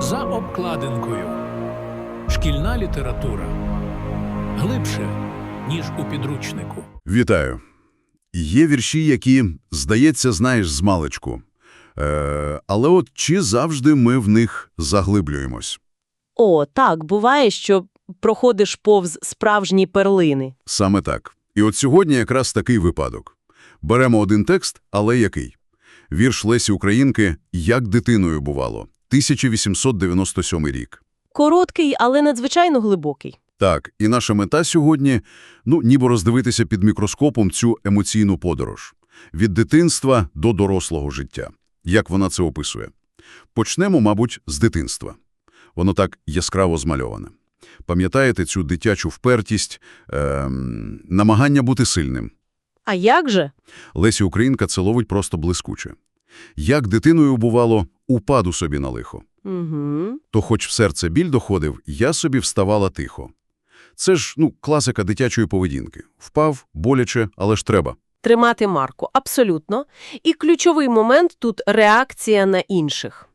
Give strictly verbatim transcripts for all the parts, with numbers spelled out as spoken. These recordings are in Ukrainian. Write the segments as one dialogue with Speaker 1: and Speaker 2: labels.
Speaker 1: За обкладинкою. Шкільна література. Глибше, ніж у підручнику.
Speaker 2: Вітаю. Є вірші, які, здається, знаєш змалечку. Е, але от чи завжди ми в них заглиблюємось?
Speaker 3: О, так, буває, що проходиш повз справжні перлини.
Speaker 2: Саме так. І от сьогодні якраз такий випадок. Беремо один текст, але який? Вірш Лесі Українки «Як дитиною бувало», тисяча вісімсот дев'яносто сьомий рік.
Speaker 3: Короткий, але надзвичайно глибокий.
Speaker 2: Так, і наша мета сьогодні, ну, ніби роздивитися під мікроскопом цю емоційну подорож. Від дитинства до дорослого життя. Як вона це описує? Почнемо, мабуть, з дитинства. Воно так яскраво змальоване. Пам'ятаєте цю дитячу впертість, ем, намагання бути сильним?
Speaker 3: А як же?
Speaker 2: Лесі Українка це ловить просто блискуче. Як дитиною бувало, упаду собі на лихо.
Speaker 3: Угу.
Speaker 2: То хоч в серце біль доходив, я собі вставала тихо. Це ж, ну, класика дитячої поведінки. Впав, боляче, але ж треба.
Speaker 3: Тримати марку, абсолютно. І ключовий момент тут – реакція на інших.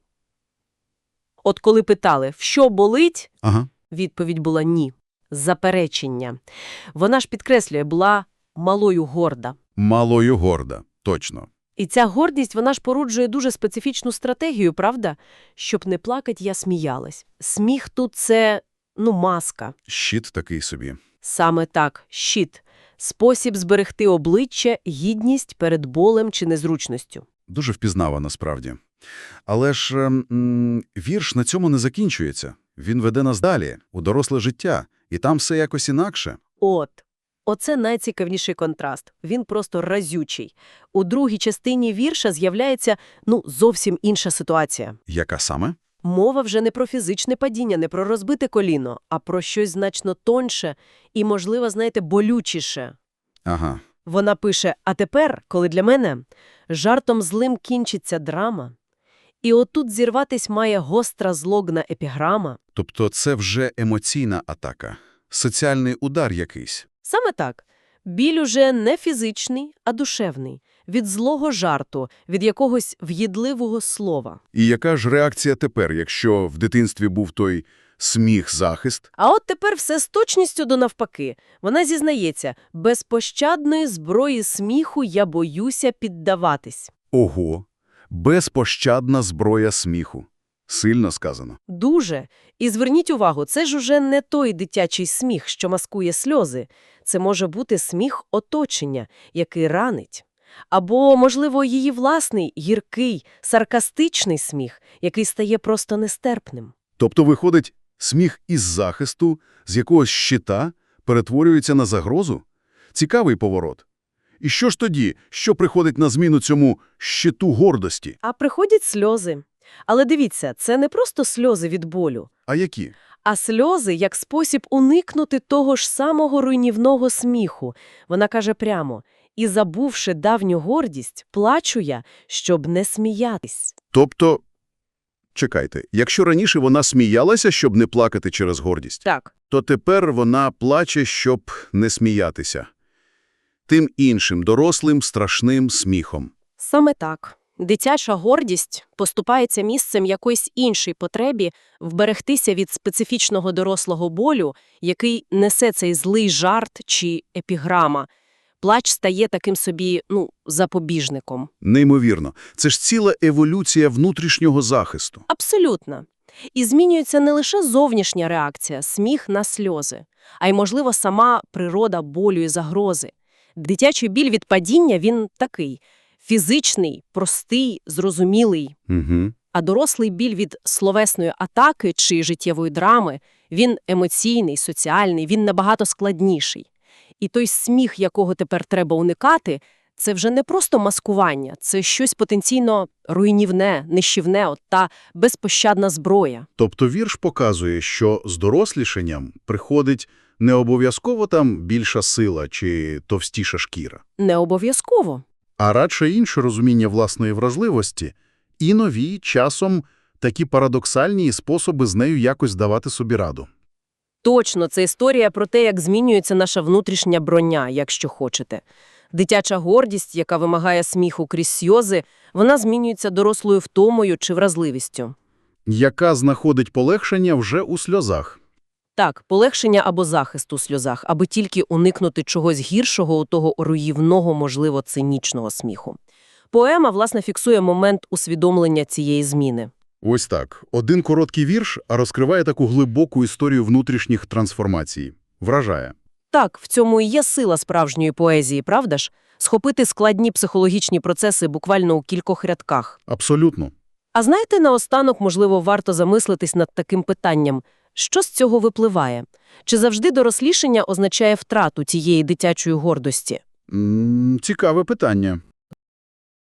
Speaker 3: От коли питали, в що болить,
Speaker 2: Ага.
Speaker 3: відповідь була ні. Заперечення. Вона ж підкреслює, була малою горда.
Speaker 2: Малою горда, точно.
Speaker 3: І ця гордість, вона ж породжує дуже специфічну стратегію, правда? Щоб не плакать, я сміялась. Сміх тут – це, ну, маска.
Speaker 2: Щит такий собі.
Speaker 3: Саме так, щит. Спосіб зберегти обличчя, гідність перед болем чи незручністю.
Speaker 2: Дуже впізнава насправді. Але ж ем, вірш на цьому не закінчується. Він веде нас далі, у доросле життя. І там все якось інакше.
Speaker 3: От. Оце найцікавіший контраст. Він просто разючий. У другій частині вірша з'являється, ну, зовсім інша ситуація.
Speaker 2: Яка саме?
Speaker 3: Мова вже не про фізичне падіння, не про розбите коліно, а про щось значно тоньше і, можливо, знаєте, болючіше.
Speaker 2: Ага.
Speaker 3: Вона пише, а тепер, коли для мене жартом злим кінчиться драма, і отут зірватись має гостра злогна епіграма.
Speaker 2: Тобто це вже емоційна атака. Соціальний удар якийсь.
Speaker 3: Саме так. Біль уже не фізичний, а душевний. Від злого жарту, від якогось в'їдливого слова.
Speaker 2: І яка ж реакція тепер, якщо в дитинстві був той сміх-захист?
Speaker 3: А от тепер все з точністю до навпаки. Вона зізнається, безпощадної зброї сміху я боюся піддаватись.
Speaker 2: Ого! Безпощадна зброя сміху. Сильно сказано.
Speaker 3: Дуже. І зверніть увагу, це ж уже не той дитячий сміх, що маскує сльози. Це може бути сміх оточення, який ранить. Або, можливо, її власний, гіркий, саркастичний сміх, який стає просто нестерпним.
Speaker 2: Тобто, виходить, сміх із захисту, з якогось щита, перетворюється на загрозу? Цікавий поворот. І що ж тоді, що приходить на зміну цьому щиту гордості?
Speaker 3: А приходять сльози. Але дивіться, це не просто сльози від болю,
Speaker 2: А які?
Speaker 3: а сльози як спосіб уникнути того ж самого руйнівного сміху. Вона каже прямо, і забувши давню гордість, плачу я, щоб не сміятись.
Speaker 2: Тобто, чекайте, якщо раніше вона сміялася, щоб не плакати через гордість,
Speaker 3: Так.
Speaker 2: то тепер вона плаче, щоб не сміятися. Тим іншим, дорослим, страшним сміхом.
Speaker 3: Саме так. Дитяча гордість поступається місцем якоїсь іншій потребі вберегтися від специфічного дорослого болю, який несе цей злий жарт чи епіграма. Плач стає таким собі, ну, запобіжником.
Speaker 2: Неймовірно. Це ж ціла еволюція внутрішнього захисту.
Speaker 3: Абсолютно. І змінюється не лише зовнішня реакція, сміх на сльози, а й, можливо, сама природа болю і загрози. Дитячий біль від падіння, він такий – фізичний, простий, зрозумілий.
Speaker 2: Угу.
Speaker 3: А дорослий біль від словесної атаки чи життєвої драми, він емоційний, соціальний, він набагато складніший. І той сміх, якого тепер треба уникати, це вже не просто маскування, це щось потенційно руйнівне, нищівне, от та безпощадна зброя.
Speaker 2: Тобто вірш показує, що з дорослішанням приходить не обов'язково там більша сила чи товстіша шкіра,
Speaker 3: Не обов'язково.
Speaker 2: а радше інше розуміння власної вразливості і нові, часом, такі парадоксальні способи з нею якось давати собі раду.
Speaker 3: Точно, це історія про те, як змінюється наша внутрішня броня, якщо хочете. Дитяча гордість, яка вимагає сміху крізь сльози, вона змінюється дорослою втомою чи вразливістю.
Speaker 2: яка знаходить полегшення вже у сльозах.
Speaker 3: Так, полегшення або захист у сльозах, аби тільки уникнути чогось гіршого у того руйнівного, можливо, цинічного сміху. Поема, власне, фіксує момент усвідомлення цієї зміни.
Speaker 2: Ось так. Один короткий вірш, а розкриває таку глибоку історію внутрішніх трансформацій. Вражає.
Speaker 3: Так, в цьому і є сила справжньої поезії, правда ж? Схопити складні психологічні процеси буквально у кількох рядках.
Speaker 2: Абсолютно.
Speaker 3: А знаєте, наостанок, можливо, варто замислитись над таким питанням. Що з цього випливає? Чи завжди дорослішання означає втрату тієї дитячої гордості?
Speaker 2: М, цікаве питання.